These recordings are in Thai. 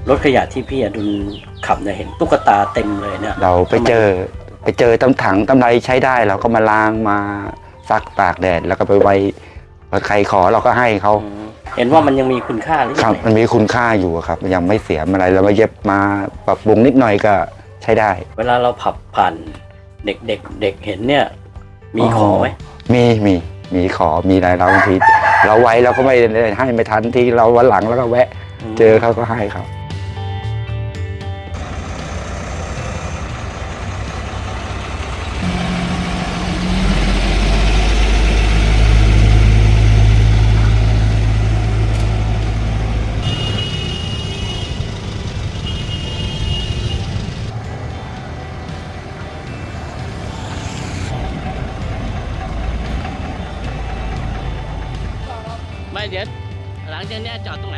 รถขยะที่พี่อดุลขับเนี่ยเห็นตุ๊กตาเต็มเลยเนี่ยเราไปเจอตำถังตำไรใช้ได้เราก็มาล้างมาซักตากแดดแล้วก็ไปไว้ใครขอเราก็ให้เขาเห็นว่ามันยังมีคุณค่าหรือคยัรับงไงมันมีคุณค่าอยู่ครับยังไม่เสียอะไรเรามาเย็บมาปรับปรุงนิดหน่อยก็ใช้ได้เวลาเราขับผ่านเด็กเห็นเนี่ยมีขอไหมมีขอมีอะไรเราบางทีเราไว้เราก็ไม่ได้ให้ไม่ทันที่เราวันหลังแล้วก็แวะ เจอเขาก็ให้เขาไม่เดี๋ยวหลังจากนี้จอดตรงไหน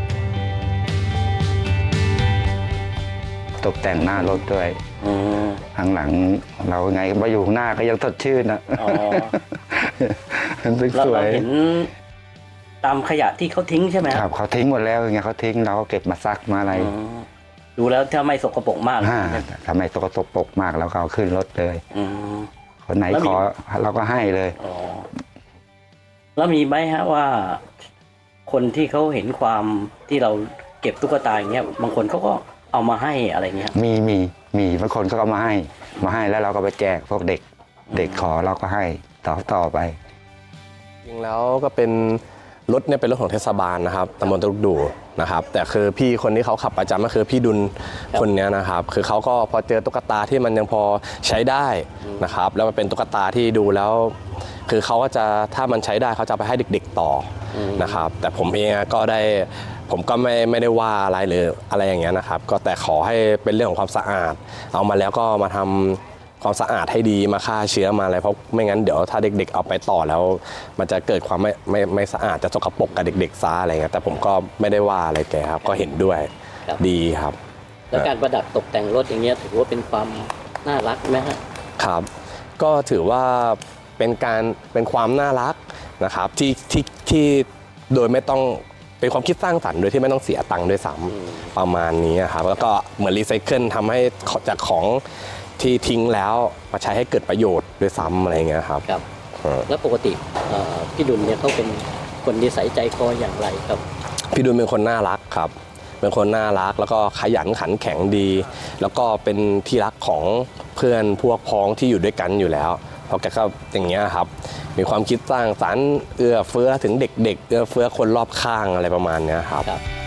ตกแต่งหน้ารถด้วยข้างหลังเราไงมาอยู่ข้างหน้าก็ยังสดชื่นนะอ๋อมันสเราวยเห็นตามขยะที่เขาทิ้งใช่ไหมครับเขาทิ้งหมดแล้วไงเขาทิ้งเราก็เก็บมาซักมาอะไรดูแล้วถ้าไม่สกปรกมากทำไมสกปรกมากแล้วก็เอาขึ้นรถเลยอืมคนไหนขอเราก็ให้เลยอ๋อแล้วมีไหมฮะว่า คนที่เขาเห็นความที่เราเก็บตุ๊กตาอย่างเงี้ยบางคนเขาก็เอามาให้อะไรเงี้ยมีบางคนก็เอามาให้แล้วเราก็ไปแจกพวกเด็กขอเราก็ให้ต่อไปจริงแล้วก็เป็นรถเนี่ยเป็นรถของเทศบาลนะครับตำบลตลุกดูนะครับแต่คือพี่คนที่เขาขับประจำก็คือพี่ดุลคนนี้นะครับคือเขาก็พอเจอตุ๊กตาที่มันยังพอใช้ได้นะครับแล้วมันเป็นตุ๊กตาที่ดูแล้ว คือเขาก็จะถ้ามันใช้ได้เขาจะไปให้เด็กๆต่อนะครับแต่ผมเองผมก็ไม่ได้ว่าอะไรหรืออะไรอย่างเงี้ยนะครับก็แต่ขอให้เป็นเรื่องของความสะอาดเอามาแล้วก็มาทำความสะอาดให้ดีมาฆ่าเชื้อมาอะไรเพราะไม่งั้นเดี๋ยวถ้าเด็กๆเอาไปต่อแล้ว มันจะเกิดความไม่สะอาดจะสกปรกกับเด็กๆซะอะไรเงี้ยแต่ผมก็ไม่ได้ว่าอะไรแกครับก็เห็นด้วยดีครับแล้วการประดับตกแต่งรถอย่างเงี้ยถือว่าเป็นความน่ารักไหมฮะครับก็ถือว่าเป็นความน่ารักนะครับที่โดยไม่ต้องเป็นความคิดสร้างสรรค์โดยที่ไม่ต้องเสียตังค์ด้วยซ้ำประมาณนี้ครับแล้วก็เหมือนรีไซเคิลทำให้จากของที่ทิ้งแล้วมาใช้ให้เกิดประโยชน์ด้วยซ้ำอะไรเงี้ยครับครับ แล้วปกติพี่ดุลเนี่ยเขาเป็นคนนิสัยใจคออย่างไรครับพี่ดุลเป็นคนน่ารักครับเป็นคนน่ารักแล้วก็ขยันขันแข็งดี แล้วก็เป็นที่รักของเพื่อนพวกพ้องที่อยู่ด้วยกันอยู่แล้วเพราะแกก็อย่างเงี้ยครับมีความคิดสร้างสรรค์เอื้อเฟื้อถึงเด็กๆเอื้อเฟื้อคนรอบข้างอะไรประมาณเนี้ยครับ